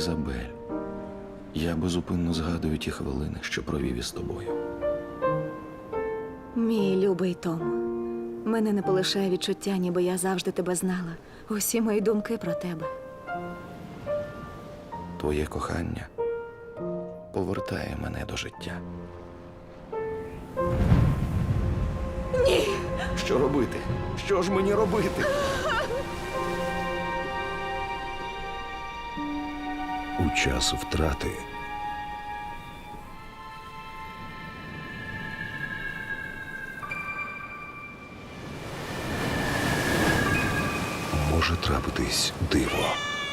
Ізабель, я безупинно згадую ті хвилини, що провів із тобою. Мій любий Том, мене не полишає відчуття, ніби я завжди тебе знала. Усі мої думки про тебе. Твоє кохання повертає мене до життя. Ні! Що робити? Що ж мені робити? У час втрати може трапитись диво.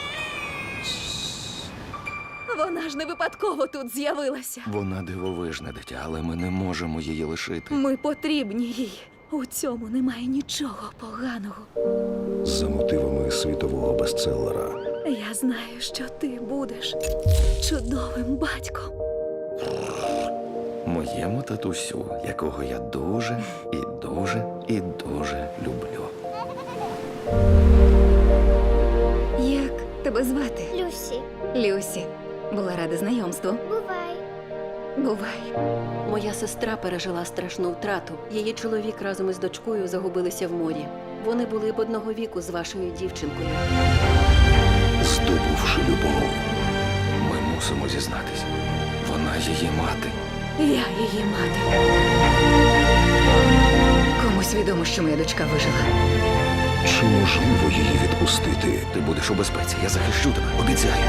Вона ж не випадково тут з'явилася. Вона дивовижне дитя, але ми не можемо її лишити. Ми потрібні їй. У цьому немає нічого поганого. За мотивами світового бестселера Я знаю, що ти будеш чудовим батьком. Моєму татусю, якого я дуже і дуже і дуже люблю. Як тебе звати? Люсі, Люсі. Була рада знайомству. бувай. Бувай. Моя сестра пережила страшну втрату. Її чоловік разом із дочкою загубилися в морі. Вони були б одного віку з вашою дівчинкою. здобувши любов. Ми мусимо зізнатись. Вона її мати. Я її мати. Комусь відомо, що моя дочка вижила. Чи можливо її відпустити? Ти будеш у безпеці, я захищу тебе, обіцяю.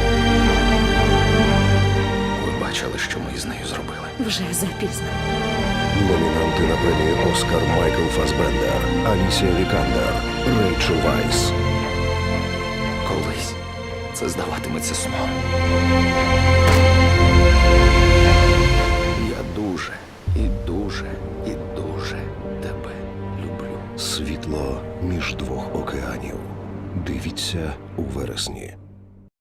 Ви бачили, що ми із нею зробили. Вже запізно. Номінанти на премію «Оскар» Майкл Фасбендер, Алісія Вікандер, Рейчел Вайс. Колись це здаватиметься сном. Я дуже і дуже і дуже тебе люблю. Світло між двох океанів. Дивіться у вересні.